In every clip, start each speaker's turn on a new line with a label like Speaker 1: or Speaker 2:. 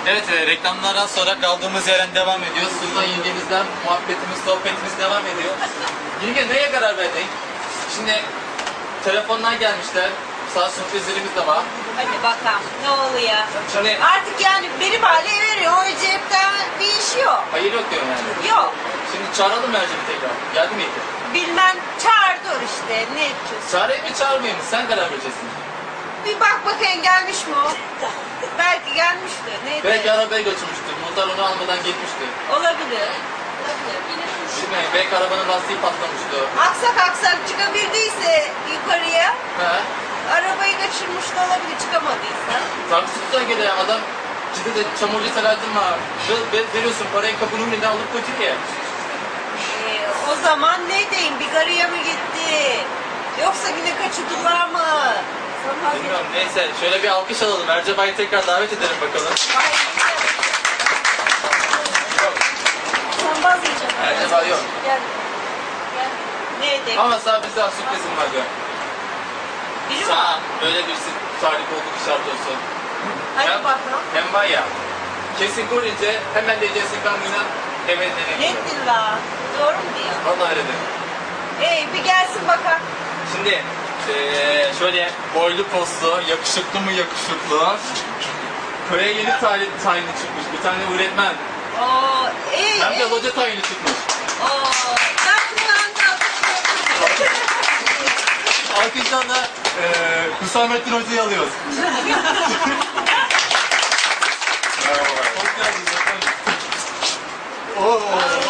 Speaker 1: Evet, reklamlardan sonra kaldığımız yerden devam ediyoruz. Sultan yengemizden muhabbetimiz, sohbetimiz devam ediyor. Yenge neye karar verdin? Şimdi telefondan gelmişler. Sağ sürprizlerimiz de var.
Speaker 2: Hadi bakalım ne oluyor?
Speaker 1: Şimdi
Speaker 2: Artık yani benim hale veriyor. O cepten bir iş yok.
Speaker 1: hayır yok diyorum yani.
Speaker 2: Yok.
Speaker 1: Şimdi çağıralım Merceği tekrar. Geldi mi Eti?
Speaker 2: Bilmem çağırdı işte. Ne yapıyorsun?
Speaker 1: Çağırayım mı çağırmayayım mı? Sen karar vereceksin.
Speaker 2: Bir bak bakayım gelmiş mi o? Belki gelmiştir. Neydi?
Speaker 1: Belki arabaya götürmüştür. Muhtar onu almadan gitmişti.
Speaker 2: Olabilir.
Speaker 1: Şimdi belki arabanın lastiği patlamıştı.
Speaker 2: Aksak çıkabildiyse yukarıya
Speaker 1: He?
Speaker 2: arabayı kaçırmış da olabilir çıkamadıysa.
Speaker 1: Taksit'ten geliyor adam. Ciddi de çamurcu Selahattin var. Veriyorsun parayı kapının önünden alıp götürüyor.
Speaker 2: O zaman ne diyeyim? Bir garıya mı gitti? Yoksa yine kaçırdılar mı?
Speaker 1: Bilmiyorum neyse şöyle bir alkış alalım. Ercebay'ı tekrar davet edelim bakalım.
Speaker 2: Sen vazgeçeceksin.
Speaker 1: Ercebay yok.
Speaker 2: Gel. Gel. Ne diyeyim?
Speaker 1: Ama sana bir daha sürprizim var gör.
Speaker 2: Biri mi?
Speaker 1: Sana böyle bir tarih olduk işaret olsun.
Speaker 2: Hadi
Speaker 1: Hem-
Speaker 2: bakalım.
Speaker 1: Hem var ya. Kesin görünce hemen diyeceksin ben buna evet
Speaker 2: Ne
Speaker 1: dedim.
Speaker 2: dilla? Doğru mu diyor?
Speaker 1: Vallahi öyle dedim.
Speaker 2: Bir gelsin bakalım.
Speaker 1: Şimdi şöyle boylu postlu, yakışıklı mı yakışıklı. Köye yeni tayini çıkmış. Bir tane öğretmen.
Speaker 2: Oo,
Speaker 1: Hem de hoca tayini çıkmış.
Speaker 2: Oo, ben kulağını
Speaker 1: Alkıştan da Hüsamettin Hoca'yı alıyoruz. Hoş geldiniz efendim. Oo.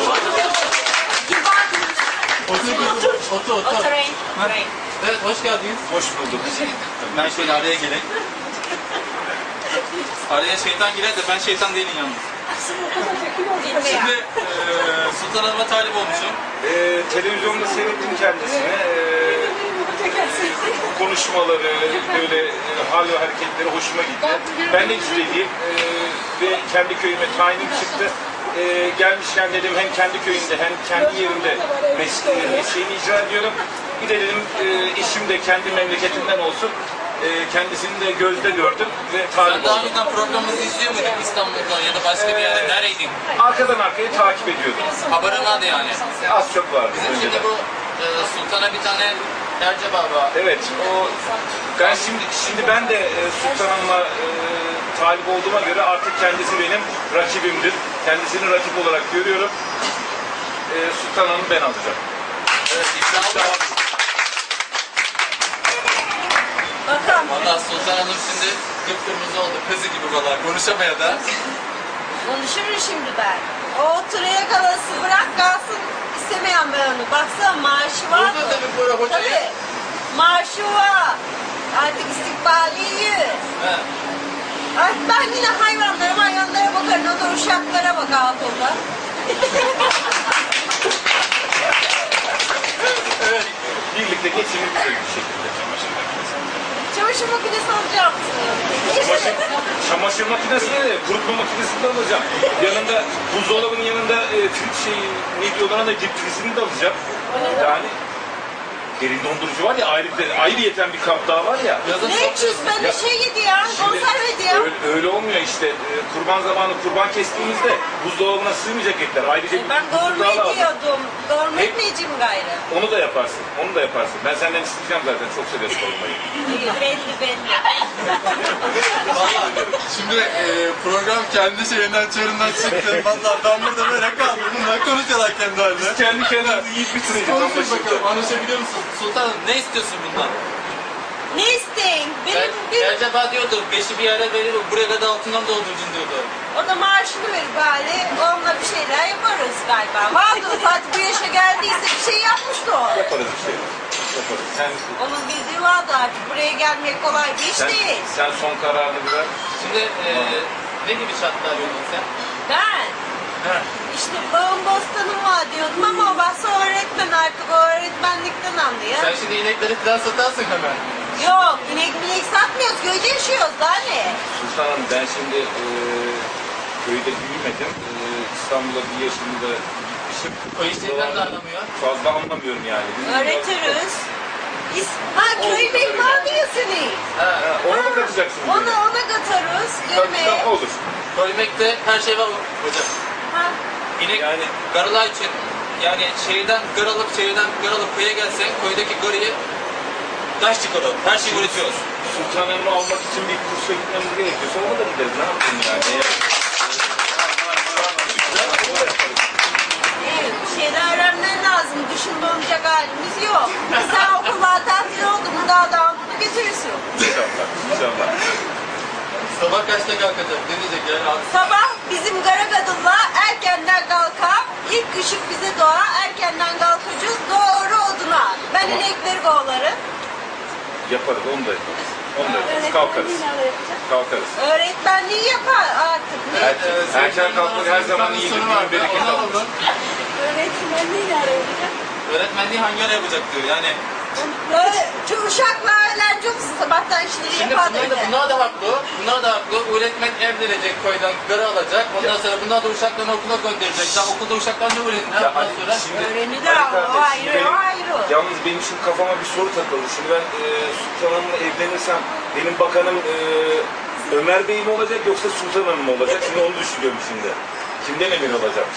Speaker 1: Otur.
Speaker 2: Oturayım.
Speaker 1: Ha? Evet, hoş geldiniz. Hoş bulduk. Ben şöyle araya geleyim. Araya şeytan girer de ben şeytan değilim yalnız. Şimdi Sultan Hanım'a talip olmuşum.
Speaker 3: Televizyonda seyrettim kendisini. Konuşmaları, böyle hal ve hareketleri hoşuma gitti. Ben de izlediğim ve kendi köyüme tayinim çıktı. Gelmişken dedim hem kendi köyümde hem kendi yerimde mesleğimi icra ediyorum. Bir de dedim eşim de kendi memleketinden olsun. Kendisini de gözde gördüm ve talip
Speaker 1: Sen daha
Speaker 3: oldum.
Speaker 1: önceden programımızı izliyor muydun İstanbul'da ya da başka bir yerde? Nereydin?
Speaker 3: Arkadan arkaya takip ediyordum.
Speaker 1: Haberin vardı yani.
Speaker 3: Az çok vardı
Speaker 1: Bizim
Speaker 3: önceden.
Speaker 1: şimdi bu Sultan'a bir tane Erceba var.
Speaker 3: Evet, ben şimdi ben de Sultan Hanım'a talip olduğuma göre artık kendisi benim rakibimdir. Kendisini rakip olarak görüyorum. Sultan Hanım'ı ben alacağım.
Speaker 1: Evet, iddialı.
Speaker 2: Bakalım.
Speaker 1: Valla Sultan Hanım şimdi kıpkırmızı oldu. Kızı gibi valla. Konuşamaya da.
Speaker 2: Konuşurum şimdi ben. O oturaya kalası bırak kalsın istemeyen ben onu. Baksana maaşı var mı?
Speaker 1: Burada tabii böyle hocayı.
Speaker 2: Tabii. Maaşı var. Artık istikbali iyi.
Speaker 1: He.
Speaker 2: Artık ben yine hayvanlara bakarım. O da uşaklara bak altında.
Speaker 1: Evet.
Speaker 3: Birlikte geçinip bir şekilde çamaşır makinesi.
Speaker 2: Çamaşır makinesi alacağım.
Speaker 3: Çamaşır makinesini de kurutma makinesini de alacağım. Yanında buzdolabının yanında ne diyorlar ona dip frizini de alacağım. Yani derin dondurucu var ya ayrıyeten bir kap daha var ya.
Speaker 1: Yazın
Speaker 2: Ne
Speaker 1: çok
Speaker 2: içiyorsun? Ben bir şey yedi ya. Konserve yedi ya.
Speaker 3: Öyle olmuyor işte. Kurban zamanı kurban kestiğimizde buzdolabına sığmayacak etler. Ayrıca bir
Speaker 2: Ben
Speaker 3: buzluğa
Speaker 2: gormet
Speaker 3: lazım.
Speaker 2: diyordum. Gormet mi yiyeceğim gayrı?
Speaker 3: Onu da yaparsın. Onu da yaparsın. Ben senden isteyeceğim zaten. Çok seviyorum sormayı.
Speaker 2: Belli.
Speaker 1: Valla şimdi program kendi şeyinden çığırından çıktı. Valla ben burada böyle kaldım. Bunlar konuşuyorlar kendi halinde.
Speaker 3: Kendi kendimizi yiyip bitireceğiz.
Speaker 1: Konuşun bakalım. Anlaşabiliyor musun? Sultanım ne istiyorsun bundan?
Speaker 2: Ne isteyeyim? Benim
Speaker 1: Erceba diyordu. Beşi bir yere verir. Buraya kadar altından doldurcun diyordu.
Speaker 2: o da maaşını verir bari. Onunla bir şeyler yaparız galiba. Vardı zaten bu yaşa geldiyse bir şey yapmıştı o.
Speaker 3: Yaparız bir şey. Yaparız.
Speaker 2: Onun bildiği vardı artık. Buraya gelmek kolay bir iş değil.
Speaker 3: Sen son kararını ver.
Speaker 1: Şimdi ne gibi şartlar arıyordun sen?
Speaker 2: Ben işte bağım bostanım var diyordum ama o bahse öğretmen artık o öğretmenlikten anlıyor.
Speaker 1: Sen şimdi inekleri falan satarsın hemen.
Speaker 2: Yok inek satmıyoruz köyde yaşıyoruz daha ne?
Speaker 3: Sultan Hanım ben şimdi köyde büyümedim. İstanbul'a bir yaşımda gitmişim.
Speaker 1: O işlerden de anlamıyor.
Speaker 3: Fazla anlamıyorum yani.
Speaker 2: Öğretiriz. Köy bey vardı ya senin.
Speaker 1: Ha.
Speaker 3: Ona mı katacaksın?
Speaker 2: Ona katarız yemeğe.
Speaker 3: Olur.
Speaker 1: Koymekte her şey var hocam.
Speaker 2: Ha.
Speaker 1: İnek
Speaker 3: Yani-
Speaker 1: garılar için yani şehirden gar alıp köye gelsen köydeki garıyı taş çıkarır. Her şeyi üretiyoruz.
Speaker 3: Sultanımı almak için bir kursa gitmemiz gerekiyorsa ona da gideriz. Ne yapayım yani?
Speaker 2: Evet, bir şeyler öğrenmen lazım. Dışında olacak halimiz yok. Sen okullar tatil oldu mu daha da alıp götürürsün.
Speaker 3: İnşallah. İnşallah.
Speaker 1: Sabah kaçta kalkacak? Ne diyecek yani?
Speaker 2: Sabah bizim Garagadılla erkenden kalkar. İlk ışık bize doğar. Erkenden kalkacağız. Doğru oduna. Ben inekleri kovalarım.
Speaker 3: Yaparız. Onu da yaparız. Onu da yaparız. Kalkarız. Kalkarız.
Speaker 2: Öğretmenliği yapar artık. Ne?
Speaker 3: Erken kalkmak her zaman iyidir.
Speaker 1: Soru var.
Speaker 3: Bir bereket
Speaker 1: Onu
Speaker 3: alır.
Speaker 1: aldım.
Speaker 2: Öğretmenliği nereye yapacak?
Speaker 1: Öğretmenliği hangi ara yapacak diyor. Yani
Speaker 2: Şu uşaklarla çok sabahtan işleri
Speaker 1: şimdi
Speaker 2: yapar.
Speaker 1: bunlar da haklı. Bunlar da haklı. Öğretmen evlenecek köyden garı alacak. Ondan sonra bunlar da uşaklarını okula gönderecek. Daha okulda uşaklar ne öğretin?
Speaker 3: Ya
Speaker 1: Ondan sonra
Speaker 3: şimdi
Speaker 2: Öğrenirler
Speaker 3: Ali
Speaker 2: ama
Speaker 3: kardeş,
Speaker 2: ayrı,
Speaker 3: benim-
Speaker 2: ayrı.
Speaker 3: Yalnız benim şimdi kafama bir soru takıldı. Şimdi ben Sultan Hanım'la evlenirsem benim bakanım Ömer Bey mi olacak yoksa Sultan Hanım mı olacak? Şimdi onu düşünüyorum şimdi. Kimden emin olacağım?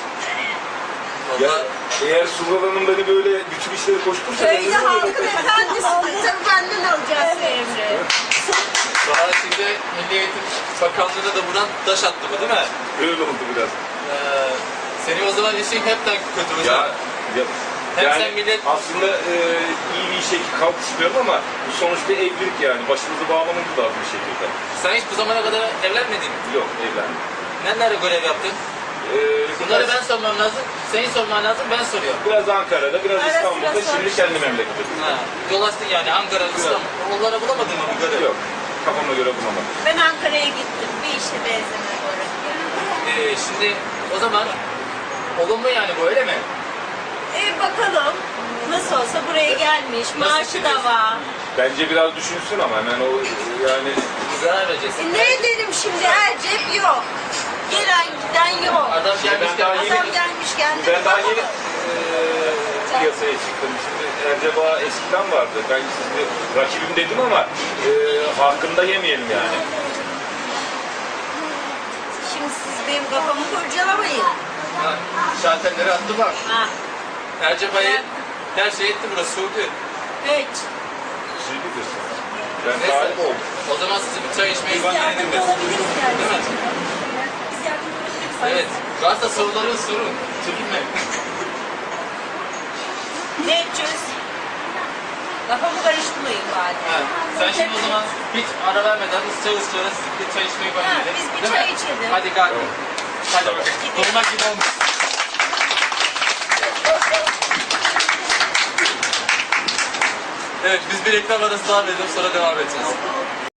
Speaker 3: Ya
Speaker 1: Vallahi
Speaker 3: eğer Sultan Hanım beni böyle bütün işleri koştursa ben
Speaker 2: Köyde
Speaker 3: ne olurum?
Speaker 2: halkın efendisi. Tabii benden alacaksın emri.
Speaker 1: daha şimdi Milli Eğitim Bakanlığı'na da buradan taş attı bu değil mi?
Speaker 3: Öyle oldu biraz.
Speaker 1: Senin o zaman işin hepten kötü
Speaker 3: Ya,
Speaker 1: hocam.
Speaker 3: ya
Speaker 1: Hem
Speaker 3: yani
Speaker 1: sen millet-
Speaker 3: aslında iyi bir işe kalkışmıyorum ama bu sonuçta evlilik yani. Başımızı bağlamamız lazım bir şekilde.
Speaker 1: Sen hiç bu zamana kadar evlenmedin mi?
Speaker 3: Yok evlendim.
Speaker 1: Nerede görev yaptın? Bunları ben sormam lazım. Senin sorman lazım, ben soruyorum.
Speaker 3: Biraz Ankara'da, biraz
Speaker 2: Ara sıra
Speaker 3: İstanbul'da, şimdi
Speaker 2: soruşturma.
Speaker 3: kendi memleketimde.
Speaker 1: Ha, dolaştın yani Ankara, İstanbul. Onlara bulamadın mı bir görev?
Speaker 3: Yok, kafama göre bulamadım.
Speaker 2: Ben Ankara'ya gittim. Bir işe benzemez oraya.
Speaker 1: Şimdi o zaman olumlu yani bu öyle mi?
Speaker 2: Bakalım. Nasıl olsa buraya gelmiş. Maaşı da var.
Speaker 3: Bence biraz düşünsün ama hemen o yani
Speaker 1: Zarar vereceğiz.
Speaker 2: Ne edelim şimdi? Her cep yok. Gelen giden yok.
Speaker 1: Adam gelmiş
Speaker 3: Ben daha
Speaker 1: gelmiş.
Speaker 2: Adam gelmiş geldi.
Speaker 3: ben daha yeni piyasaya çıktım. Şimdi Erceba eskiden vardı. Ben sizi rakibim dedim ama hakkında yemeyelim yani.
Speaker 2: Şimdi siz benim kafamı kurcalamayın.
Speaker 1: Ha, şalterleri attı bak.
Speaker 2: Ha.
Speaker 1: Ercebay'ı her şey etti burası Suudi.
Speaker 2: Hiç.
Speaker 3: Siz bilirsiniz. Ben
Speaker 1: Neyse.
Speaker 3: talip oldum.
Speaker 1: O zaman sizi bir çay içmeye gönderelim biz. Değil mi? Evet. Varsa soruları sorun. Çekinmeyin.
Speaker 2: Ne edeceğiz? Kafamı karıştırmayın bari.
Speaker 1: Ha, sen şimdi o zaman hiç ara vermeden ısıra bir çay içmeye gönderelim.
Speaker 2: biz bir
Speaker 1: Değil
Speaker 2: çay
Speaker 1: mi?
Speaker 2: içelim.
Speaker 1: Hadi kalkın. Hadi bakalım. Durmak gibi olmuş. Evet biz bir reklam arası daha verelim sonra devam edeceğiz.